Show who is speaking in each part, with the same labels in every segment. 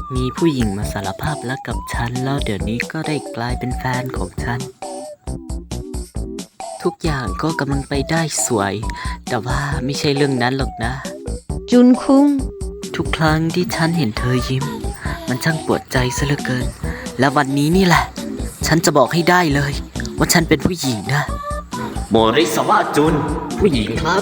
Speaker 1: มีผู้หญิงมาสารภาพรักกับฉันแล้วเดี๋ยวนี้ก็ได้กลายเป็นแฟนของฉันทุกอย่างก็กำลังไปได้สวยแต่ว่าไม่ใช่เรื่องนั้นหรอกนะ
Speaker 2: จุนคุง
Speaker 1: ทุกครั้งที่ฉันเห็นเธอยิ้มมันช่างปวดใจซะเหลือเกินและวันนี้นี่แหละฉันจะบอกให้ได้เลยว่าฉันเป็นผู้หญิงนะโมริสวะจุนผู้หญิงครับ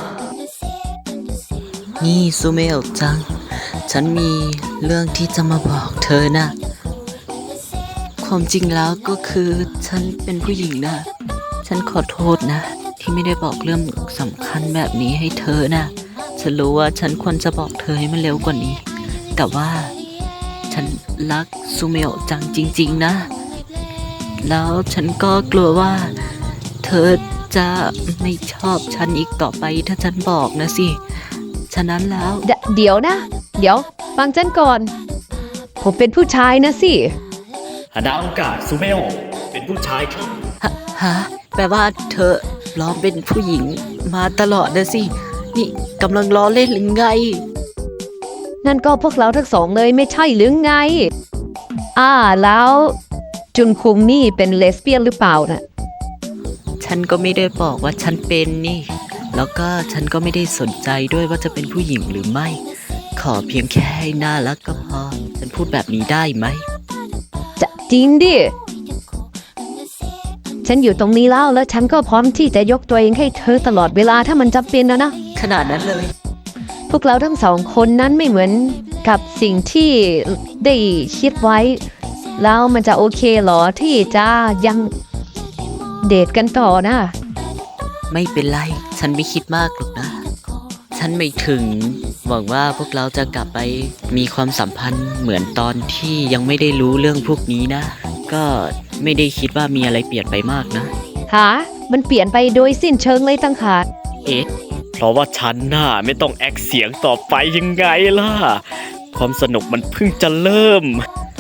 Speaker 1: นี่ซูเมลจังฉันมีเรื่องที่จะมาบอกเธอนะความจริงแล้วก็คือฉันเป็นผู้หญิงนะฉันขอโทษนะที่ไม่ได้บอกเรื่องสำคัญแบบนี้ให้เธอนะฉันรู้ว่าฉันควรจะบอกเธอให้มันเร็วกว่านี้แต่ว่าฉันรักซูเมลจังจริงๆนะแล้วฉันก็กลัวว่าเธอจะไม่ชอบฉันอีกต่อไปถ้าฉันบอกนะสิฉะนั้นแล้ว
Speaker 2: เดี๋ยวนะเดี๋ยวฟังฉันก่อนผมเป็นผู้ชายนะสิ
Speaker 3: ฮาดาโอกาสซูเมลเป็นผู้ชายครับ
Speaker 1: ฮะแปลว่าเธอปลอมเป็นผู้หญิงมาตลอดนะสินี่กำลังล้อเล่นหรือไง
Speaker 2: นั่นก็พวกเราทั้งสองเลยไม่ใช่หรือไงแล้วจุนคุงนี่เป็นเลสเบี้ยนหรือเปล่านะ
Speaker 1: ฉันก็ไม่ได้บอกว่าฉันเป็นนี่แล้วก็ฉันก็ไม่ได้สนใจด้วยว่าจะเป็นผู้หญิงหรือไม่ขอเพียงแค่ให้น่ารักก็พอฉันพูดแบบนี้ได้ไหม
Speaker 2: จะจริงดิฉันอยู่ตรงนี้แล้วฉันก็พร้อมที่จะยกตัวเองให้เธอตลอดเวลาถ้ามันจำเป็นนะ
Speaker 1: ขนาดนั้นเลย
Speaker 2: พวกเราทั้งสองคนนั้นไม่เหมือนกับสิ่งที่ได้คิดไว้แล้วมันจะโอเคหรอที่จะยังเดทกันต่อนะ
Speaker 1: ไม่เป็นไรฉันไม่คิดมากหรอกนะฉันไม่ถึงหวังว่าพวกเราจะกลับไปมีความสัมพันธ์เหมือนตอนที่ยังไม่ได้รู้เรื่องพวกนี้นะก็ไม่ได้คิดว่ามีอะไรเปลี่ยนไปมากนะ
Speaker 2: มันเปลี่ยนไปโดยสิ้นเชิงเลยตั้งหาก
Speaker 3: เพราะว่าฉันน่ะไม่ต้องแอคเสียงต่อไปยังไงล่ะความสนุกมันเพิ่งจะเริ่ม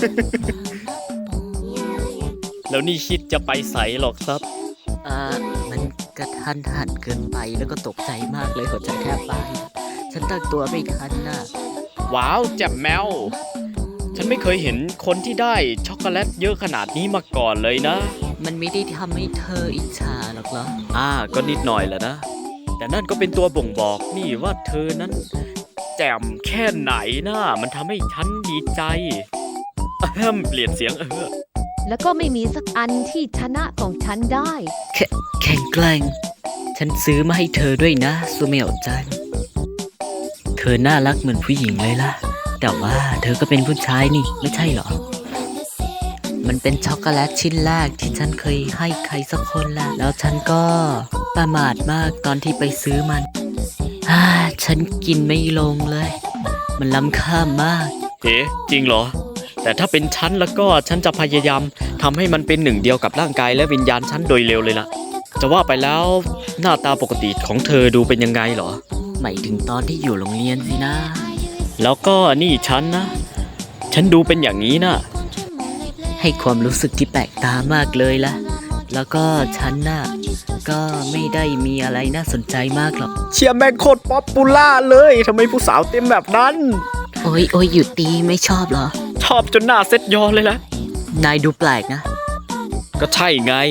Speaker 3: แล้วนี่คิดจะไปใสหรอกครับ
Speaker 1: มันกระทันหันเกินไปแล้วก็ตกใจมากเลยหัวใจแทบวายฉันตั้งตัวไม่ทันนะ
Speaker 3: ว้าวแจ่มแมวฉันไม่เคยเห็นคนที่ได้ช็อกโกแลตเยอะขนาดนี้มาก่อนเลยนะ
Speaker 1: มันไม่ได้ทำให้เธออิจฉาหรอกเหรอ
Speaker 3: ก็นิดหน่อยแหละนะแต่นั่นก็เป็นตัวบ่งบอกนี่ว่าเธอนั้นแจ่มแค่ไหนนะมันทำให้ฉันดีใจเปลี่ยนเสียง
Speaker 2: แล้วก็ไม่มีสักอันที่ชนะของฉันได้
Speaker 1: แข็งแกร่งฉันซื้อมาให้เธอด้วยนะซูเมลจันเธอน่ารักเหมือนผู้หญิงเลยล่ะแต่ว่าเธอก็เป็นผู้ชายนี่ไม่ใช่หรอมันเป็นช็อกโกแลตชิ้นแรกที่ฉันเคยให้ใครสักคนแล้วฉันก็ประมาทมากตอนที่ไปซื้อมันฉันกินไม่ลงเลยมันล้ำค่ามาก
Speaker 3: จริงเหรอแต่ถ้าเป็นฉันแล้วก็ฉันจะพยายามทำให้มันเป็นหนึ่งเดียวกับร่างกายและวิญญาณฉันโดยเร็วเลยล่ะจะว่าไปแล้วหน้าตาปกติของเธอดูเป็นยังไงเหรอ
Speaker 1: หมายถึงตอนที่อยู่โรงเรียนสินะ
Speaker 3: แล้วก็นี่ฉันนะฉันดูเป็นอย่างนี้นะ
Speaker 1: ให้ความรู้สึกที่แปลกตามากเลยล่ะแล้วก็ฉันน่ะก็ไม่ได้มีอะไรน่าสนใจมากหรอก
Speaker 3: เชียร์แม่งโคตรป๊อปปูล่าเลยทำไมผู้สาวเต็มแบบนั้น
Speaker 1: โอ้ยหยุดตีไม่ชอบเหรอ
Speaker 3: ชอบจนหน้าเซ็ตยอเลยละ
Speaker 1: นายดูแปลกนะ
Speaker 3: ก็ใช่ไง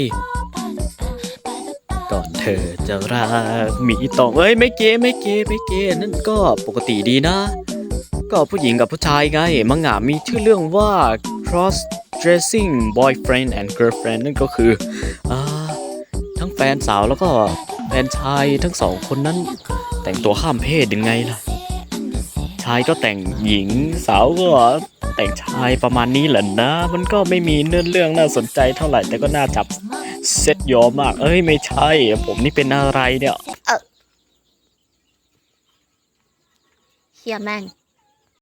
Speaker 3: ก่อนเธอจะรักมีต้องไม่เก๋นั่นก็ปกติดีนะก็ผู้หญิงกับผู้ชายไงมังงะมีชื่อเรื่องว่า cross dressing boyfriend and girlfriend นั่นก็คือทั้งแฟนสาวแล้วก็แฟนชายทั้งสองคนนั้นแต่งตัวข้ามเพศยังไงล่ะชายก็แต่งหญิงสาวก็แต่งชายประมาณนี้แหละนะมันก็ไม่มีเนื้อเรื่องน่าสนใจเท่าไหร่แต่ก็น่าจับเซ็ตยอมากไม่ใช่ผมนี่เป็นอะไรเนี่ย
Speaker 4: เฮียแม่ง